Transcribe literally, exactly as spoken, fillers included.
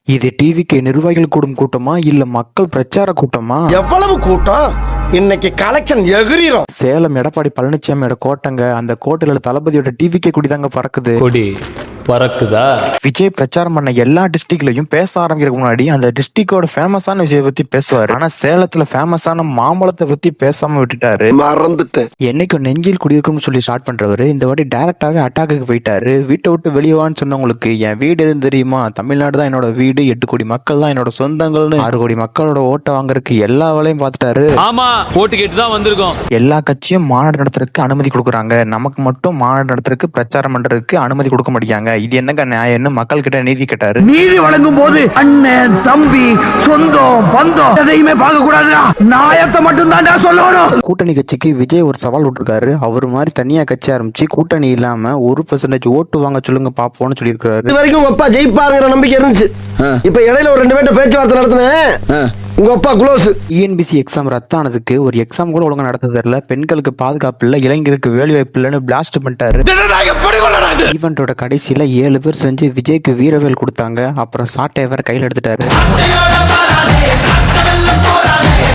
இது டிவிக்கு நிர்வாகிகள் கூடும் கூட்டமா இல்ல மக்கள் பிரச்சார கூட்டமா? எவ்வளவு கூட்டம் இன்னைக்கு கலெக்ஷன் எகிரிரும். சேலம் எடப்பாடி பழனிசாமியோட கோட்டைங்க. அந்த கோட்டையில தளபதியோட டிவிக்கே குடிதாங்க பறக்குது. கொடி பறக்குதா? விஜய் பிரச்சாரம் பண்ண எல்லா டிஸ்ட்ரிக்ட்லயும் பேச ஆரம்பிக்கிறதுக்கு முன்னாடி அந்த டிஸ்ட்ரிக்டோட ஃபேமஸான விஷயத்தை பத்தி பேசுவாரு. ஆனா சேலத்துல ஃபேமஸான மாம்பழத்தை பத்தி பேசாம விட்டுட்டாரு. மறந்துட்டேன். என்னைக்கு நெஞ்சில் குடியிருக்கும்னு சொல்லி ஸ்டார்ட் பண்றவரு இந்த வாட்டி டைரக்டாவே அட்டாக்கு போயிட்டாரு. வீட்டை விட்டு வெளியவான்னு சொன்னவங்களுக்கு என் வீடு எதுவும் தெரியுமா? தமிழ்நாடு தான் என்னோட வீடு, எட்டு கோடி மக்கள் தான் என்னோட சொந்தங்கள்னு ஆறு கோடி மக்களோட ஓட்டை வாங்குறதுக்கு எல்லா வேலையும் பார்த்துட்டாரு. ஆமா, ஓட்டு கேட்டு தான் வந்திருக்கோம். எல்லா கட்சியும் மாநாடு நடத்துறதுக்கு அனுமதி கொடுக்குறாங்க, நமக்கு மட்டும் மாநாடு நடத்துறதுக்கு பிரச்சாரம் பண்றதுக்கு அனுமதி கொடுக்க மாட்டேங்காங்க. இது என்னங்க நியாயம்னு மக்கள் கிட்ட நீதி கேட்டாரு. நீதி வழங்கும் போது அண்ணன் தம்பி சொந்தம் பந்தம் எதையுமே பார்க்க கூடாது, நியாயத்தை மட்டும் தான் சொல்லணும். கூட்டணி கட்சிக்கு விஜய் ஒரு சவால் விட்டுருக்காரு. அவர் மாதிரி தனியா கட்சி ஆரம்பிச்சு கூட்டணி இல்லாம ஒரு பெர்சன்டேஜ் ஓட்டு வாங்க சொல்லுங்க பாப்போம்னு சொல்லியிருக்காரு. இது வரைக்கும் உங்க அப்பா ஜெயிப்பாருங்கிற நம்பிக்கை இருந்துச்சு. இப்ப இடையில ஒரு ரெண்டு பேர்ட்ட பேச்சுவார்த்தை நடத்தினேன். உங்க அப்பா க்ளோஸ். டிஎன்பிசி எக்ஸாம் ரத்தானதுக்கு ஒரு எக்ஸாம் கூட ஒழுங்கா நடத்த தெரியல, பெண்களுக்கு பாதுகாப்பு இல்ல, இளைஞருக்கு வேலை வாய்ப்பு இல்லைன்னு பிளாஸ்ட் பண்ணிட்டாரு. ஈவெண்டோட கடைசியில ஏழு பேர் செஞ்சு விஜய்க்கு வீரவேல் கொடுத்தாங்க. அப்புறம் சாட்டை வேற கையில் எடுத்துட்டாரு.